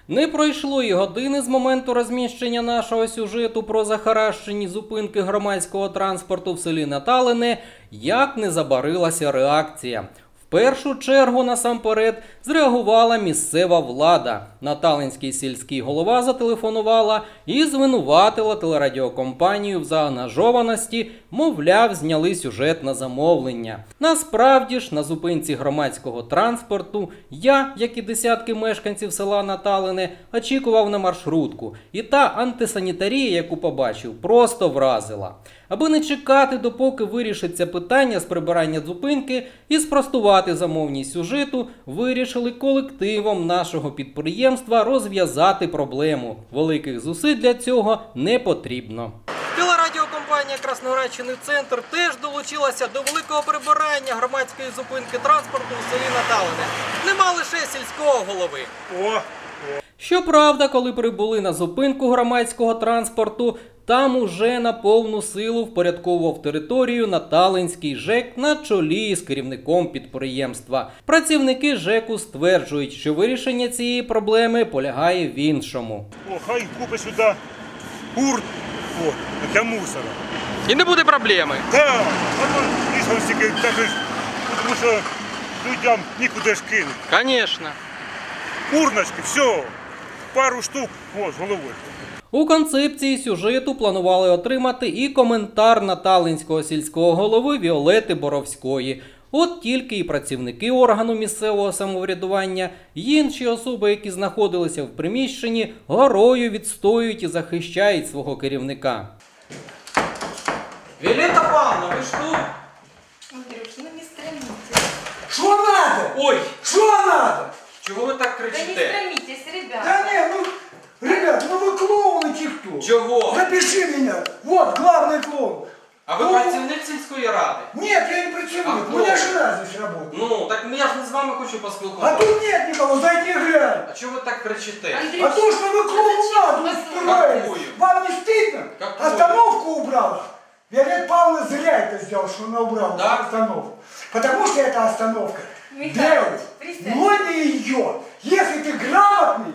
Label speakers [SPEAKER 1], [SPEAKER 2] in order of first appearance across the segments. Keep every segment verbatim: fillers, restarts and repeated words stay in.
[SPEAKER 1] Не пройшло і години з моменту розміщення нашого сюжету про захаращені зупинки громадського транспорту в селі Наталине, як не забарилася реакція. В першу чергу, насамперед, зреагувала місцева влада. Наталинський сільський голова зателефонувала і звинуватила телерадіокомпанію в заангажованості, мовляв, зняли сюжет на замовлення. Насправді ж, на зупинці громадського транспорту я, як і десятки мешканців села Наталине, очікував на маршрутку. І та антисанітарія, яку побачив, просто вразила. Аби не чекати, допоки вирішиться питання з прибирання зупинки і спростувати замовність сюжету, вирішили колективом нашого підприємства розв'язати проблему. Великих зусиль для цього не потрібно. Телерадіокомпанія «Красноградщини Центр» теж долучилася до великого прибирання громадської зупинки транспорту у селі Наталине. Нема лише сільського голови. О! Щоправда, коли прибули на зупинку громадського транспорту, там уже на повну силу впорядковував територію Наталинський ЖЕК на чолі з керівником підприємства. Працівники ЖЕКу стверджують, що вирішення цієї проблеми полягає в іншому.
[SPEAKER 2] О, хай купить сюди урт для мусора.
[SPEAKER 1] І не буде проблеми?
[SPEAKER 2] Так, а стільки, тому що людям нікуди ж кинути.
[SPEAKER 1] Звісно.
[SPEAKER 2] Урночки, все, пару штук, о, з головою.
[SPEAKER 1] У концепції сюжету планували отримати і коментар Наталинського сільського голови Віолети Боровської. От тільки і працівники органу місцевого самоврядування, і інші особи, які знаходилися в приміщенні, горою відстоюють і захищають свого керівника. Віолета Павловна, ви ж тут?
[SPEAKER 3] Андрюш, ну не стремитесь.
[SPEAKER 4] Что надо?
[SPEAKER 1] Ой!
[SPEAKER 4] Что надо?
[SPEAKER 1] Чого ви так
[SPEAKER 3] Да не
[SPEAKER 1] кричите?
[SPEAKER 3] стремитесь, ребята.
[SPEAKER 4] Да не, ну, ребят, ну вы клоуны кто?
[SPEAKER 1] Чого?
[SPEAKER 4] Запиши меня. Вот, главный клоун.
[SPEAKER 1] А ви
[SPEAKER 4] Ну,
[SPEAKER 1] працівник сільської ради?
[SPEAKER 4] Нет, я не працюю.
[SPEAKER 1] А
[SPEAKER 4] У
[SPEAKER 1] кто?
[SPEAKER 4] меня жена здесь работает.
[SPEAKER 1] Ну, так я ж не з вами хочу
[SPEAKER 4] А
[SPEAKER 1] поспілкуватися.
[SPEAKER 4] тут нет никого, зайди глянь.
[SPEAKER 1] А чого ви так кричите?
[SPEAKER 3] Андрюш,
[SPEAKER 4] А то, что вы клоунаду
[SPEAKER 3] зачем?
[SPEAKER 4] устроили.
[SPEAKER 1] Какую?
[SPEAKER 4] Вам не стыдно?
[SPEAKER 1] Какую?
[SPEAKER 4] Остановку убрала. Виолетта Павловна зря это сделала, что она убрала
[SPEAKER 1] Да?
[SPEAKER 4] остановку. Потому что эта остановка
[SPEAKER 3] Михаил,
[SPEAKER 4] делает,
[SPEAKER 3] пристань.
[SPEAKER 4] но не ее. Если ты грамотный,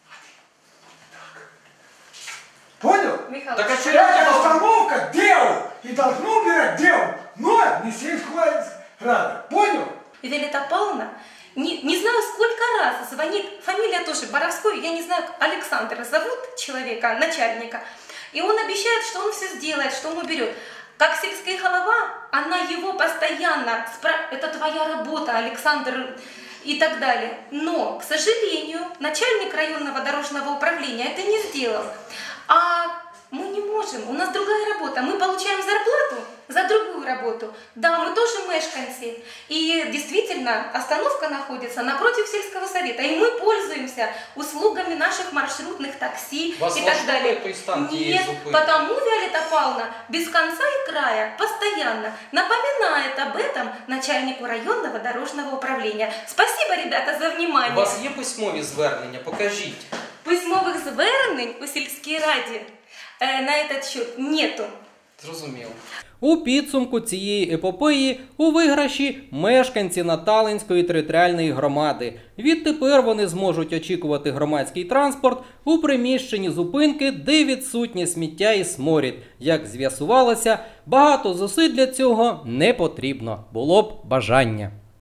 [SPEAKER 4] понял?
[SPEAKER 3] Михаил,
[SPEAKER 1] Так а что
[SPEAKER 4] Эта остановка делал и должно убирать делал, но не сельская рада. Понял?
[SPEAKER 3] Виолетта Павловна, не, не знаю, сколько раз звонит, фамилия тоже Боровской, я не знаю, Александр зовут человека, начальника, и он обещает, что он все сделает, что он уберет. Как сельская голова, она его постоянно, спра- это твоя работа, Александр, и так далее. Но, к сожалению, начальник районного дорожного управления это не сделал. А мы не можем, у нас другая работа, мы получаем зарплату за другую работу. Да, мы тоже мешканцы. И действительно, остановка находится напротив сельского совета, и мы пользуемся услугами наших маршрутных такси
[SPEAKER 1] Вас
[SPEAKER 3] и так
[SPEAKER 1] влаштовує
[SPEAKER 3] далее.
[SPEAKER 1] той стан тієї
[SPEAKER 3] Нет,
[SPEAKER 1] зупинки?
[SPEAKER 3] потому Виолетта Павловна без конца и края постоянно напоминает об этом начальнику районного дорожного управления. Спасибо, ребята, за
[SPEAKER 1] У
[SPEAKER 3] внимание.
[SPEAKER 1] вас є письмові звернення? Покажіть.
[SPEAKER 3] Письмових звернень у сільській раді е, на этот счет нету.
[SPEAKER 1] Зрозуміло. У підсумку цієї епопеї у виграші мешканці Наталинської територіальної громади. Відтепер вони зможуть очікувати громадський транспорт у приміщенні зупинки, де відсутнє сміття і сморід. Як з'ясувалося, багато зусиль для цього не потрібно. Було б бажання.